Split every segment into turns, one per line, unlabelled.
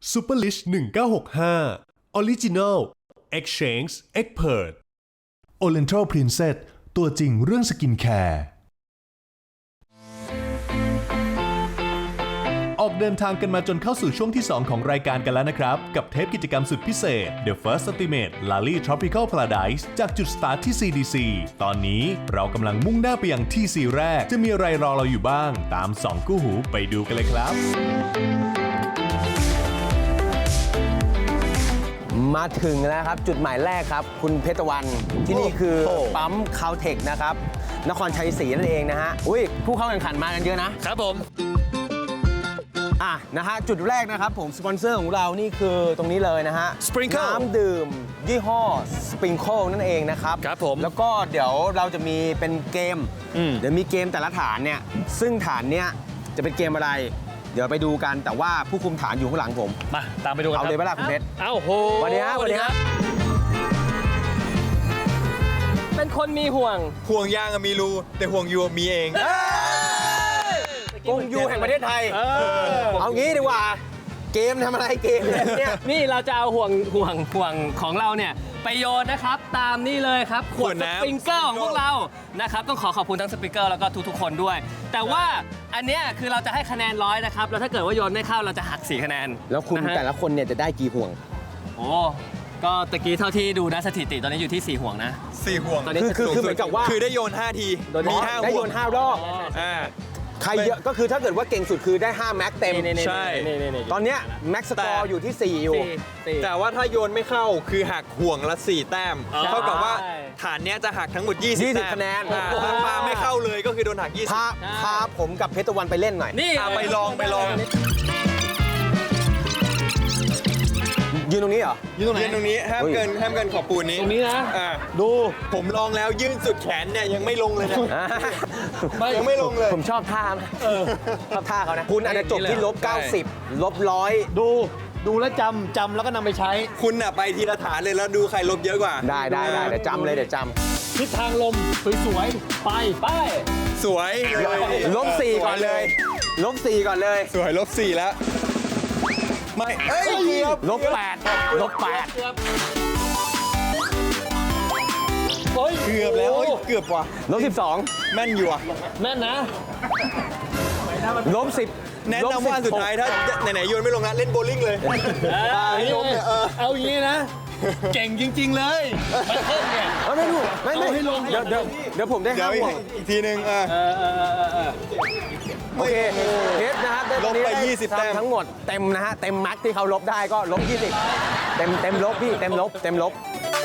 Superlish 1965 Original Exchange Expert
Oriental Princess ตัวจริงเรื่องสกินแคร์ออกเดินทางกันมาจนเข้าสู่ช่วงที่ 2 ของรายการกันแล้วนะครับ กับเทปกิจกรรมสุดพิเศษ The First Ultimate Lally Tropical Paradise จากจุดสตาร์ทที่ CDC ตอนนี้เรากำลังมุ่งหน้าไปยังที่ซีแรกจะมีอะไรรอเราอยู่บ้างตาม2กู้หูไปดูกันเลยครับ
มาถึงแล้วครับจุดหมายแรกครับคุณเพชรวันที่นี่คือปั๊มคาวเทคนะครับนครชัยศรีนั่นเองนะฮะอุ้ยผู้เข้าแข่งขันมากันเยอะนะครับผมนะฮะจุดแรกนะครับผมสปอนเซอร์ของเรานี่คือตรงนี้เลยนะฮะ
Sprinkle
น้ำดื่มยี่ห้อ Sprinkle นั่นเองนะครับ
ครับผม
แล้วก็เดี๋ยวเราจะมีเป็นเกมเดี๋ยวมีเกมแต่ละฐานเนี่ยซึ่งฐานเนี้ยจะเป็นเกมอะไรเดี๋ยวไปดูกันแต่ว่าผู้คุมฐานอยู่ข้างหลังผม
มาตามไปดูกัน
เอาเลยไหมล่ะคุณเพชร
เอ้าโห
สวัสดีครับสวัสดีครับ
เป็นคนมีห่วง
ห่วงยางมีรูแต่ห่วงยูมีเอง
กงยูแห่งประเทศไทยเอางี้ดีกว่าเกมทำอะไรเกมเนี่ย
นี่เราจะเอาห่วงของเราเนี่ยไปโยนนะครับ ตามนี่เลยครับขวด
ขวด
ส
น้ำ
ปริงเกอร์ของพวกเรานะครับต้องขอบคุณทั้งสปริงเกอร์แล้วก็ทุกๆคนด้วย แต่ว่าอันเนี้ยคือเราจะให้คะแนน100นะครับแล้วถ้าเกิดว่าโยนไม่เข้าเราจะหัก4คะแนน
แล้วคุณ
นะฮะ
แต่ละคนเนี่ยจะได้กี่ห่วง
โอ้ก็ตะกี้เท่าที่ดูนะสถิติตอนนี้อยู่ที่4ห่วงนะ
4 ห่วง
ตอนนี้
คือเหมือนกับว่า
คือได้โยน 5 ที มี 5
ได้
ห่
โยว
ง
น5 รอบ
อ่า
ใครเยอะก็คือถ้าเกิดว่าเก่งสุดคือได้5แม็กเต็ม
นี่
ใช่
ตอนเนี้ยแม็กสกอร์อยู่ที่4อยู่
แต่ว่าถ้าโยนไม่เข้าคือหักห่วงละ 4 แต้ม เท่ากับว่าฐานเนี้ยจะหักทั้งหมด 20 แต้ม
คะแนน
ถ้าปาไม่เข้าเลยก็คือโดนหัก 20
พาผมกับเพชรตะวันไปเล่นหน่อย
นี่
ไปลอง
ยืนตรงนี้เหรอ
ยืนตรงนี้ห้ามเกินขอบปูนนี้
ตรงนี้นะ
ดูผมลองแล้วยื่นสุดแขนเนี่ยยังไม่ลงเลยนะ ยังไม่ลงเลย
ผมชอบท่าชอบท่าเขานะ คุณอาจจะจบที่-90 -100
ดูแล้วจำแล้วก็นำไปใช้
คุณน่ะไปทีละฐานเลยแล้วดูใครลบเยอะกว่า
ได้เดี๋ยวจำเลยเดี๋ยวจ
ทิศทางลมสวยๆไป
สวยเลย
ำ-4ก่อนเลย-4ก่อนเลย
สวย-4แล้วไม่เอ้ยเกือบ
-8
เกือบแล้วเกือบว่ะ
-12
แม่นอยู่อ่ะ
แม่นนะ
-10
แนะนำว่าอันสุดท้ายถ้าไหนๆโยนไม่ลงนะเล่นโบว์ลิ่งเลย
เอาอย่างนี้นะ เก่งจริง ๆ เลยมาเพิ่มเนี่ย
ไม่รู้ไม่
เอาให้ลง
เดี๋ยวผมได้
เดี๋ยว
5 ห่วง
อีกทีนึง
โอเคเพชรนะครับได้
ลบไป
ด้
20 แต้ม
ทั้งหมดเต็มนะฮะเต็มแม็กที่เขาลบได้ก็-20เต็มลบพี่เต็มลบ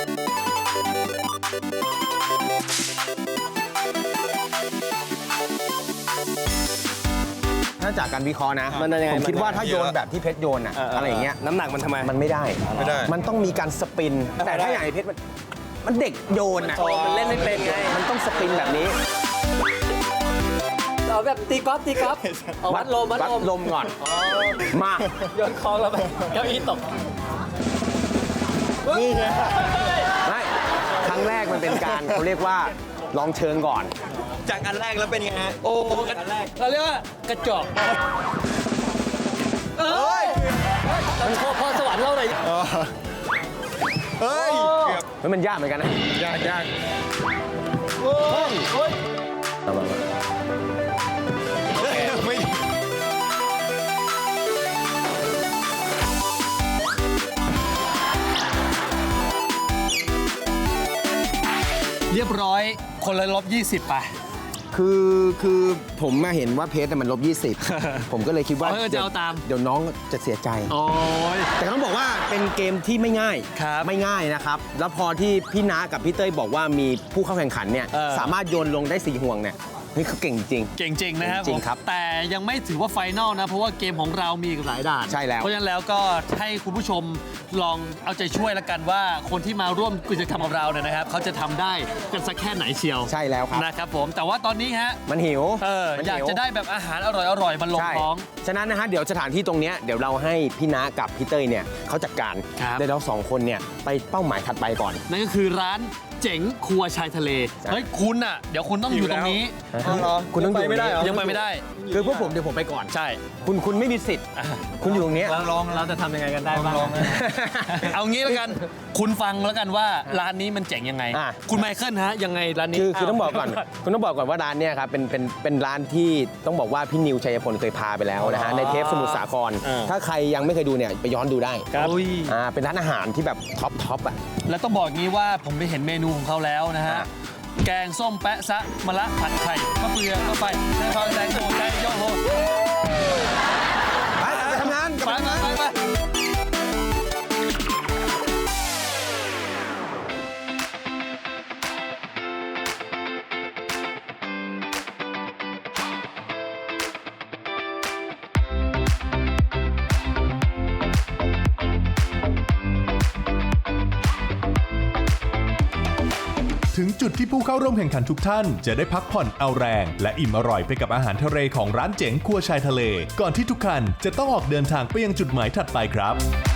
ถ้าจากการวิเคราะห์นะ
มันยังไง
ผมคิดว่าถ้า
มัน
โยนแบบที่เพชรโยนอะอะไรอย่างเงี้ย
น้ำหนักมันทำไม
มันไม่ได้
ไม่ได้
มันต้องมีการสปิน แต่ถ้าอย่างไอ้เพชรมันเด็กโยนอะ
มันเล่นไม่เป็นไง
มันต้องสปินแบบนี้
เอาแบบตีกอล์ฟเอาวัดลม
ก่อนมา
โยนคลองแล้วไปเก้าอี้ตก
ไม่ครั้งแรกมันเป็นการเขาเรียกว่าลองเชิงก่อน
จากอันแรกแล้วเป็นไงฮะ
โอ้อันแรกเราเรียกว่ากระจอกมันพอสวรรค์เราหน่อย
เฮ้ยเกือบ
แล้วมันยากเหมือนกันนะ
ยาก
เอามา
ไม่
เรียบร้อยคนละลบ 20 ไป
คือผมมาเห็นว่าเพชรมัน-20 ผมก็เลยคิดว่า
จะเอาตาม
เดี๋ยวน้องจะเสียใจ
โอ้ย
แต่ต้องบอกว่าเป็นเกมที่ไม่ง่าย
ครับ
ไม่ง่ายนะครับ แล้วพอที่พี่น้ากับพี่เต้ยบอกว่ามีผู้เข้าแข่งขันเนี่ยสามารถโยนลงได้4ห่วงเนี่ยนี่เขาเก่งจริง
เก่งจริงนะครับ
จริงครับ
แต่ยังไม่ถือว่าไฟนอลนะ เพราะว่าเกมของเรามีอีกหลายด่าน
ใช่แล้ว
เพราะฉะนั้นแล้วก็ให้คุณผู้ชมลองเอาใจช่วยแล้วกันว่าคนที่มาร่วมกิจกรรมกับเราเนี่ยนะครับเขาจะทำได้กันสักแค่ไหนเชียว
ใช่แล้วครับ
นะครับผมแต่ว่าตอนนี้ฮะ
มันหิวมัน
อยาก
หิว
จะได้แบบอาหารอร่อยๆมาลง
ใช่
ท้อง
ฉะนั้นนะฮะเดี๋ยวสถานที่ตรงเนี้ยเดี๋ยวเราให้พี่น้ากับพี่เต้ยเนี่ยเขาจัดการ
ครับ
เดี๋ยวเราสองคนเนี่ยไปเป้าหมายถัดไปก่อน
นั่นก็คือร้านเจ๋งครัวชายทะเลเฮ้ยคุณอ่ะเดี๋ยวคุณต้องอยู่ตรงนี้
คุณต้องอยู่
ไม่ได้เหรอ
ยังไปไม่ได้
คือพวกผมเดี๋ยวผมไปก่อน
ใช่
คุณไม่มีสิทธิ์ คุณอยู่ตรงเนี้ย
ลอง
เราจะทำยังไงกันได้บ้าง
เอางี้แล้วกัน คุณฟังแล้วกันว่าร้านนี้มันเจ๋งยังไง
อ่ะ
คุณไมเคิลฮะยังไงร้านนี้
คือต้องบอกก่อน คุณต้องบอกก่อนว่าร้านเนี้ยครับเป็นร้านที่ต้องบอกว่าพี่นิวชัยพลเคยพาไปแล้วนะฮะในเทปสมุทรสาคร ถ้าใครยังไม่เคยดูเนี่ยไปย้อนดูได้
อุ้ย
เป็นร้านอาหารที่แบบท็อปอ่ะ
แล้วต้องบอกงี้ว่าผมไปเห็นเมนูของเขาแล้วนะฮะ แกงส้มแปะซะมะละผัดไข่มะเฟืองมะไฟไส้ทองแตงโมไก่โยโฮ
ไปทำงาน
ไป
ถึงจุดที่ผู้เข้าร่วมแข่งขันทุกท่านจะได้พักผ่อนเอาแรง และอิ่มอร่อยไปกับอาหารทะเลของร้านเจ๋งครัวชายทะเล ก่อนที่ทุกคันจะต้องออกเดินทางไปยังจุดหมายถัดไปครับ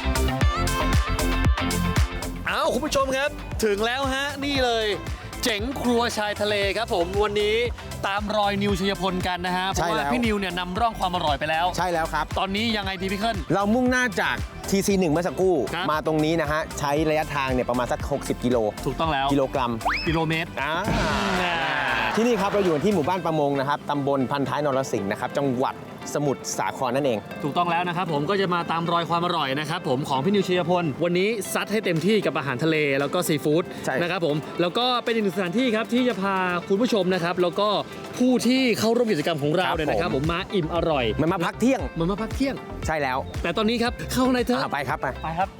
เอาคุณผู้ชมครับถึงแล้วฮะนี่เลยเจ๋งครัวชายทะเลครับผมวันนี้ตามรอยนิวชัยพลกันนะฮะเพ
ใช่
ราะ
แล้
ว่าว พี่นิวเนี่ยนำร่องความอร่อยไปแล้ว
ใช่แล้วครับ
ตอนนี้ยังไงดีพี่เคิล
เรามุ่งหน้าจาก TC1 เมื่อสักครู่
ครับ
มาตรงนี้นะฮะ ใช้ระยะทางเนี่ยประมาณสัก 60 กิโล
ถูกต้องแล้ว
กิโลกรัม
กิโลเมตร
ที่นี่ครับเราอยู่ที่หมู่บ้านประมงนะครับตำบลพันท้ายนรสิงห์นะครับจังหวัดสมุทรสาครนั่นเอง
ถูกต้องแล้วนะครับผมก็จะมาตามรอยความอร่อยนะครับผมของพี่นิวชัยพลวันนี้ซัดให้เต็มที่กับอาหารทะเลแล้วก็ซีฟู้ด
ใช่
นะครับผมแล้วก็เป็นอีกหนึ่งสถานที่ครับที่จะพาคุณผู้ชมนะครับแล้วก็ผู้ที่เข้าร่วมกิจกรรมของเราเนี่ยนะครับผมมาอิ่มอร่อย
มันมาพักเที่ยง
มันมาพักเที่ยง
ใช่แล้ว
แต่ตอนนี้ครับเข้าข้างในเถอะ
ไปครับไป
ไปครับ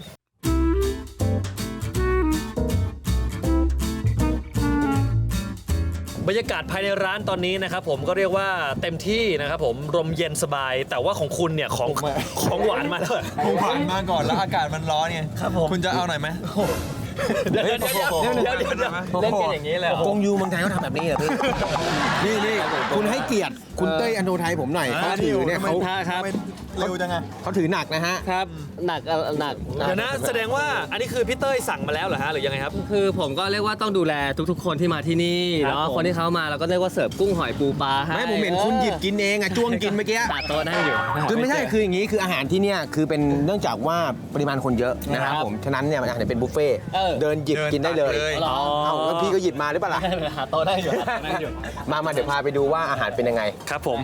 บรรยากาศภายในร้านตอนนี้นะครับผมก็เรียกว่าเต็มที่นะครับผมลมเย็นสบาย แต่ว่าของคุณเนี่ยของหวานมาแล้ว
ผมผ่านมาก่อนแล้วอากาศมันร้อนไง
ครับผม
คุณจะเอาหน่อยไหม
เดี๋ยวเล่นกันอย่างนี้เลยเหรอก
งยูเมืองไทยเขาทำแบบนี้เหรอพี่ นี่คุณให้เกียรติคุณเต้ยอโนไทยผมหน่อยเขาถือเนี่ยเขา
ครับ
เร็วจังไง
เขาถือหนักนะฮะ
ครับหนัก
เดี๋ยวนะแสดงว่าอันนี้คือพี่เต้ยสั่งมาแล้วเหรอฮะหรือยังไงครับ
คือผมก็เรียกว่าต้องดูแลทุกๆ คนที่มาที่นี่
ครับ
เนาะ
ผม
คนที่เขามาเราก็เรียกว่าเสิร์ฟกุ้งหอยปูปลาให้
ไม่ผมเห็นคุณหยิบกินเองอะจ้วงกินเมื่อกี้
ตัดโต๊ะได้อยู่
คือไม่ใช่คืออย่างนี้คืออาหารที่เนี่ยคือเป็นเนื่องจากว่าปริมาณคนเยอะนะครับผมฉะนั้นเนี่ยมันอาหารเป็นบุฟเฟ่ต์เดินหยิบกินได้เลย
อ๋อ
เอ้าแล้วพี่ก็หยิบมาหรือเปล่าล่ะ
หาโต๊ะได้อยู่ได้อยู่
มาเดี๋ยวพาไปดูว่าอาหารเป็นยังไง
ครับผม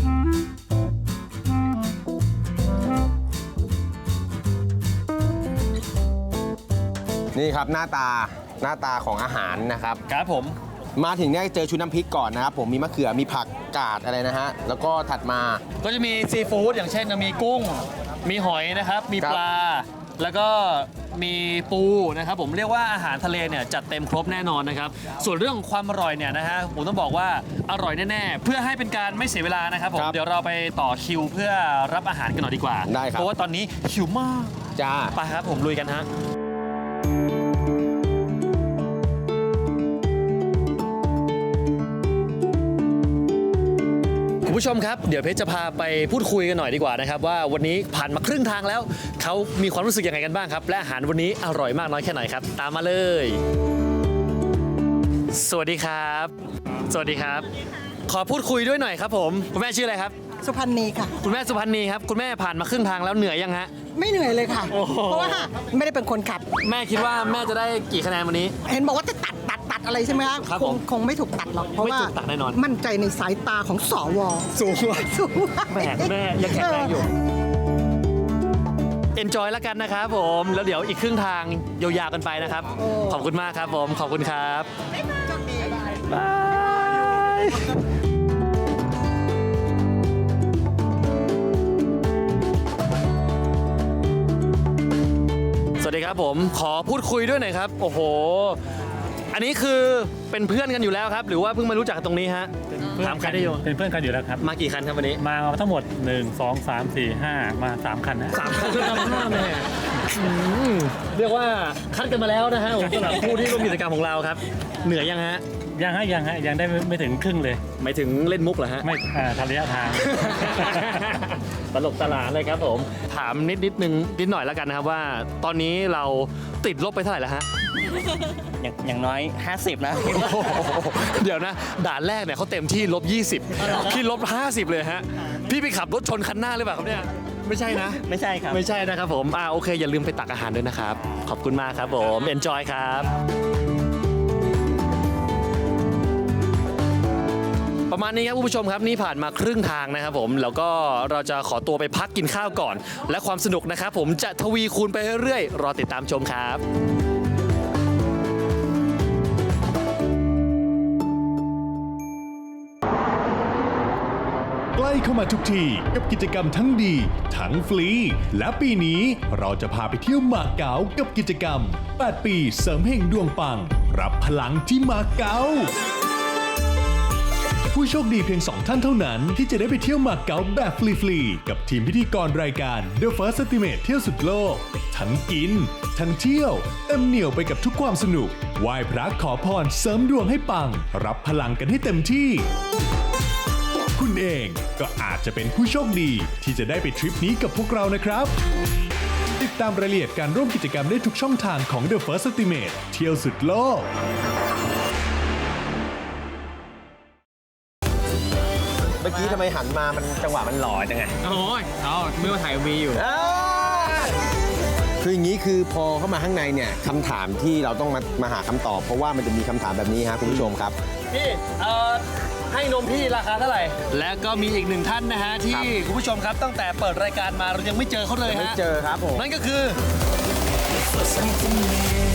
นี่ครับหน้าตาของอาหารนะครับ
ครับผม
มาถึงเนี่ยเจอชุดน้ำพริกก่อนนะครับผมมีมะเขือมีผักกาดอะไรนะฮะแล้วก็ถัดมา
ก็จะมีซีฟู้ดอย่างเช่นมีกุ้ง มีหอยนะครับ มีปลา แล้วก็มีปูนะครับผมเรียกว่าอาหารทะเลเนี่ยจัดเต็มครบแน่นอนนะครับส่วนเรื่องของความอร่อยเนี่ยนะฮะผมต้องบอกว่าอร่อยแน่ๆเพื่อให้เป็นการไม่เสียเวลานะครับผม
ครับ
เดี๋ยวเราไปต่อคิวเพื่อรับอาหารกันหน่อยดีกว่า
ได้ครับ
เพราะว่าตอนนี้หิวมาก
จ้า
ไปครับผมลุยกันฮะคุณผู้ชมครับเดี๋ยวเพชรจะพาไปพูดคุยกันหน่อยดีกว่านะครับว่าวันนี้ผ่านมาครึ่งทางแล้วเขามีความรู้สึกยังไงกันบ้างครับและอาหารวันนี้อร่อยมากน้อยแค่ไหนครับตามมาเลย สวัสดีครับ สวัสดีครับ ขอพูดคุยด้วยหน่อยครับผมคุณแม่ชื่ออะไรครับ
สุพรรณีค่ะ
คุณแม่สุพรรณีครับคุณแม่ผ่านมาครึ่งทางแล้วเหนื่อยยังฮะ
ไม่เหนื่อยเลยค่ะ
โอ้โห
เพราะว่าไม่ได้เป็นคนขับ
แม่คิดว่าแม่จะได้กี่คะแนนวันนี้
เห็นบอกว่าจะตัดอะไรใช่ไหมคะ
ครับผม
คงไม่ถูกตัดหรอก เพราะว่า
ไม่ถูกตัดแน่นอน
มั่นใจในสายตาของสว
สูง
สูง
แม่ยังแข็งแรงอยู่ enjoy แล้วกันนะครับผมแล้วเดี๋ยวอีกครึ่งทางยาวๆกันไปนะครับ ขอบคุณมากครับผมขอบคุณครับบายสวัสดีครับผมขอพูดคุยด้วยหน่อยครับโอ้โห อันนี้คือเป็นเพื่อนกันอยู่แล้วครับ หรือว่าเพิ่งมารู้จักกันตรงนี้ฮะถามใครได้อยู่
เป็นเพื่อนกันอยู่แล้วครับ
มากี่คันครับวันนี้
มาทั้งหมด 1 2 3 4 5 มา 3 คันนะ
3 คันเพื่อนกันห้าแม่เรียกว่าคัดกันมาแล้วนะฮะผมสำหรับผู้ที่ร่วมกิจกรรมของเราครับ เหนื่อยยังฮะ
ยังได้ไม่ถึงครึ่งเลย
หมายถึงเล่นมุกเหรอฮะ
ไม่ทำระยะทาง
ตลกตลาดเลยครับผม ถามนิดหน่อยแล้วกันนะครับว่า ตอนนี้เราติดลบไปเท่าไหร่แล้วฮะ
อย่างน้อย 50 นะ
เดี๋ยวนะ ด่านแรกเนี่ยเขาเต็มที่-20 พี่-50 เลยฮะ พี่ไปขับรถชนคันหน้าหรือเปล่าครับเนี่ย ไม่ใช่นะ
ไม่ใช่ครับ
ไม่ใช่นะครับผมโอเค อย่าลืมไปตักอาหารด้วยนะครับ ขอบคุณมากครับผม enjoy ครับ ประมาณนี้ครับคุณผู้ชมครับนี่ผ่านมาครึ่งทางนะครับผมแล้วก็เราจะขอตัวไปพักกินข้าวก่อน และความสนุกนะครับผมจะทวีคูณไปเรื่อยๆรอติดตามชมครับ
ใกล้เข้ามาทุกทีกับกิจกรรมทั้งดีทั้งฟรี และปีนี้เราจะพาไปเที่ยวมาเก๊ากับกิจกรรม 8 ปีเสริมเฮงดวงปัง รับพลังที่มาเก๊า ผู้โชคดีเพียง 2 ท่านเท่านั้นที่จะได้ไปเที่ยวมาเก๊าแบบฟรีๆกับทีมพิธีกรรายการ The First Estimate เที่ยวสุดโลก ทั้งกิน ทั้งเที่ยวเต็มเหนี่ยวไปกับทุกความสนุกไหว้พระขอพรเสริมดวงให้ปัง รับพลังกันให้เต็มที่ คุณเองก็อาจจะเป็นผู้โชคดีที่จะได้ไปทริปนี้กับพวกเรานะครับ ติดตามรายละเอียดการร่วมกิจกรรมได้ทุกช่องทางของ The First Estimate เที่ยวสุดโลก
เมื่อกี้ทำไมหันมามันจังหวะมันหล่อจังไง
โอ้ยไม่ว่าถ่ายวีอยู่
คืออย่างนี้คือพอเข้ามาข้างในเนี่ยคำถามที่เราต้องมาหาคำตอบ เพราะว่ามันจะมีคำถามแบบนี้ครับคุณผู้ชมครับ
พี่ให้นมพี่ราคาเท่าไหร่ และก็มีอีกหนึ่งท่านนะฮะที่คุณผู้ชมครับตั้งแต่เปิดรายการมาเรายังไม่เจอเขาเลย
ไม่
ฮะ
เจอครับผม
นั่นก็คือ
something new